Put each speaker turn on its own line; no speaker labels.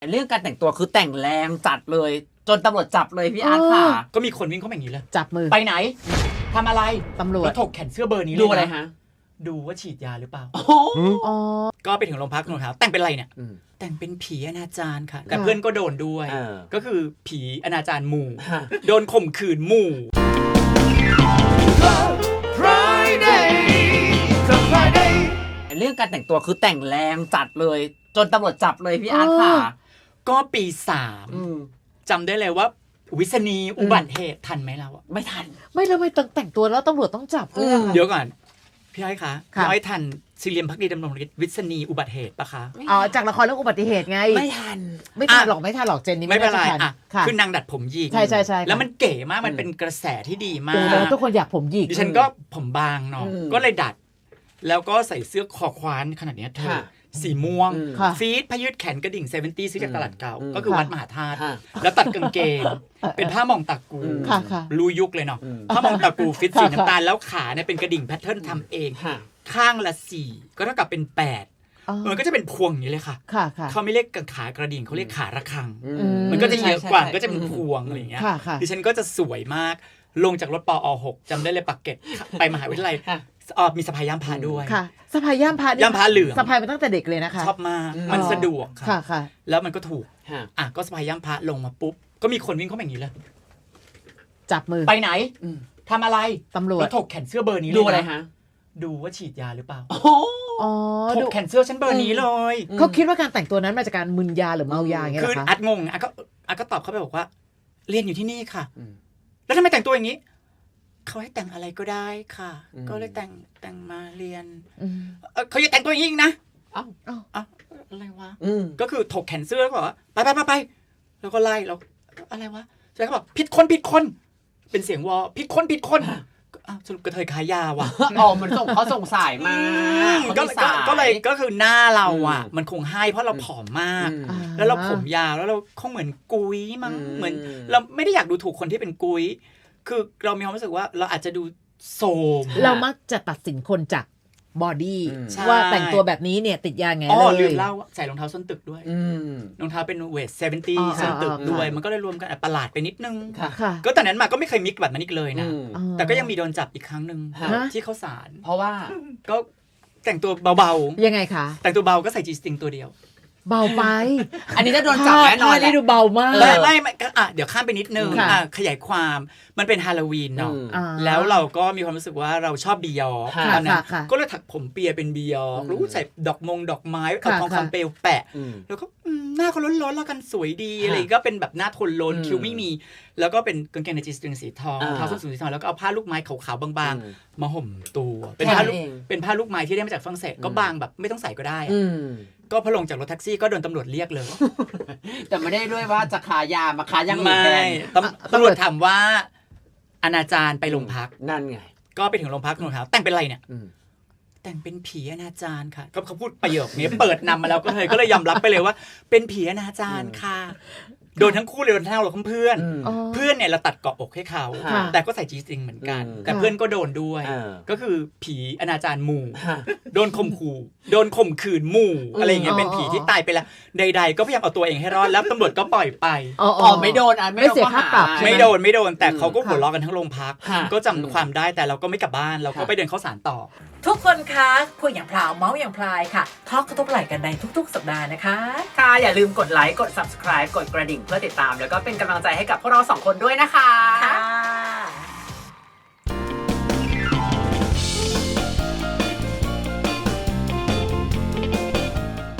เรื่องการแต่งตัวคือแต่งแรงจัดเลยจนตำรวจจับเลยพี่อาร์ตค่ะ
ก็มีคนวิ่งเข้ามาอย่างนี้เลย
จับมือ
ไปไหนทำอะไร
ตำรวจ
แล้วถกแขนเสื้อเบอร์นี้เลย
ดูอะไรฮะ
ดูว่าฉีดยาหรือเปล่า
อ๋อ
ก็ไปถึงโรงพักถามแต่งเป็นอะไรเนี่ยแต่งเป็นผีอนาจารค่ะแต่เพื่อนก็โดนด้วยก็คือผีอนาจารหมู่โดนข่มขืนหมู่
เรื่องการแต่งตัวคือแต่งแรงจัดเลยจนตำรวจจับเลยพี่อาร์ตค่ะ
ก็ปี3จำได้เลยว่าวิษณีอุบัติเหตุทันไหมเราอะ
ไม่ทัน
ไม่แล้วไม่แต่งตัวแล้วตำรวจต้องจับด้วย
เดี๋ยวก่อนพี่อ้อยคะพี่อ้อยทันซีเรียมพักดีดำรงฤทธิ์วิษณีอุบัติเหตุปะคะ
อ๋อจากละครเรื่องอุบัติเหตุไง
ไม่ทัน
หรอกเจนนี่
ไม่เป็นไรอ่ะคือนางดัดผมหยิก
ใช่
แล้วมันเก๋มากมันเป็นกระแสที่ดีมาก
ทุกคนอยากผมหยิก
ดิฉันก็ผมบางเนาะก็เลยดัดแล้วก็ใส่เสื้อคอควานขนาดนี้เธอสีม่วงฟีดพยืดแขนกระดิ่ง70ซื้อจากตลาดเก่าก็คือวัดมหาธาตุแล้วตัดกางเกงเป็นผ้ามองตากูรู้ยุคเลยเนาะผ้ามองตากูฟิตสีน้ำตาลแล้วขาเนี่ยเป็นกระดิ่งแพทเทิร์นทำเองข้างละ4ก็เท่ากับเป็น8มันก็จะเป็นพวงอย่างนี้เลยค่ะเขาไม่เรียกขากระดิ่งเขาเรียกขาระฆังมันก็จะเยอะกว่าก็จะเป็นพวงอะไรอย่างเงี้ยดิฉันก็จะสวยมากลงจากรถปอ6จำได้เลยปากเกร็ดไปมหาวิทยาลัยมีสะพายย่ามพาด้วย
ค่ะสะพายย่ามพา
เหลือง
สะพายมาตั้งแต่เด็กเลยนะคะ
ชอบมากมันสะดวก
ค่ะ
แล้วมันก็ถูกก็สะพายย่ามพาลงมาปุ๊บก็มีคนวิ่งเข้ามาอย่างนี้เลย
จับมือ
ไปไหนทำอะไร
ตำรวจ
แล้วถกแขนเสื้อเบอร์นี้
ดูอะไรฮะ
ดูว่าฉีดยาหรือเปล่าถก
ดู
แขนเสื้อฉันเบอร์นี้เลย
เขาคิดว่าการแต่งตัวนั้นมาจากการมึนยาหรือเมายาอย่างเงี้ย
คืออัดงงก็ตอบเขาไปบอกว่าเรียนอยู่ที่นี่ค่ะแล้วทำไมแต่งตัวอย่างนี้เขาให้แต่งอะไรก็ได้ค่ะก็เลยแต่งมาเรียนเขาอย่าแต่งตัวอย่างนี้นะอะไรวะก็คือถกแขนเสื้อแล้วก็บอกว่าไปแล้วก็ไล่แล้วอะไรวะใช่เขาบอกผิดคนเป็นเสียงวอผิดคนสรุปกระเทยขายยาว่ะ
มันเขาส่งสายมา
ก็เลยก็คือหน้าเราอ่ะมันคงให้เพราะเราผอมมากแล้วเราผมยาวแล้วเราคงเหมือนกุ้ยมั้งเหมือนเราไม่ได้อยากดูถูกคนที่เป็นกุ้ยคือเรามีความรู้สึกว่าเราอาจจะดูโสม
เรามักจะตัดสินคนจากบอดี้ว่าแต่งตัวแบบนี้เนี่ยติดยาไงเลย
ลืมเล่าใส่รองเท้าส้นตึกด้วยรองเท้าเป็นเวท70ส้นตึกด้วยมันก็เลยรวมกันประหลาดไปนิดนึงก็ตอนนั้นมาก็ไม่เคยมิกแบบนั้นอีกเลยนะแต่ก็ยังมีโดนจับอีกครั้งนึงที่เข้าศาล
เพราะว่า
ก็แต่งตัวเบา
ๆยังไงคะ
แต่งตัวเบาก็ใส่จีสติงตัวเดียว
เบาไป
อันนี้จะโดนจับแน่นอน
นี่ดูเบามาก
ไม่เดี๋ยวข้ามไปนิดนึงขยายความมันเป็นฮาโลวีนเนาะแล้วเราก็มีความรู้สึกว่าเราชอบบียอตอนนั้นก็เลยถักผมเปียเป็นบียอรู้ใส่ดอกไม้เอาทองคำเปลวแปะแล้วก็หน้าเขาล้นๆแล้วกันสวยดีอะไรก็เป็นแบบหน้าทนล้นคิ้วไม่มีแล้วก็เป็นกางเกงในจีสตริงสีทองเท้าส้นสูงสีทองแล้วก็เอาผ้าลูกไม้ขาวๆบางๆมาห่มตัวเป็นผ้าลูกไม้ที่ได้มาจากฝรั่งเศสก็บางแบบไม่ต้องใส่ก็ได้ก็พอลงจากรถแท็กซี่ก็โดนตำรวจเรียกเลย
แต่ไม่ได้ด้วยว่าจะขายามาขายยังอื่นแทน
ตำรวจถามว่าอนาจารไปโรงพัก
นั่นไง
ก็ไปถึงโรงพักถามแต่งเป็นอะไรเนี่ยแต่งเป็นผีอนาจารค่ะก็เขาพูดประโยคนี้เปิดนำมาแล้วก็เลยยอมรับไปเลยว่าเป็นผีอนาจารค่ะโดนทั้งคู่เลยโดนทั้งเราเพื่อนเนี่ยเราตัดเกาะอกให้เขาแต่ก็ใส่จีสติงเหมือนกันแต่เพื่อนก็โดนด้วยก็คือผีอนาจารหมู่โดนข่มขืนหมู่อะไรอย่างเงี้ยเป็นผีที่ตายไปแล้วใดๆก็พยายามเอาตัวเองให้รอดแล้วตำรวจก็ปล่อยไป
ไม่โดน
ไม่เสียค่าปรับ
ไม่โดนแต่เขาก็หัวเราะกันทั้งโรงพักก็จำความได้แต่เราก็ไม่กลับบ้านเราก็ไปเดินเข้าศาลต่อ
ทุกคนคะคุยอย่างพลาวเมาส์อย่างพลายค่ะทอล์กกระทบไหล่กันในทุกๆสัปดาห์นะคะ
ค่ะอย่าลืมกดไลค์กด subscribe กดกระดิ่งเพื่อติดตามแล้วก็เป็นกำลังใจให้กับพวกเรา2คนด้วยนะคะ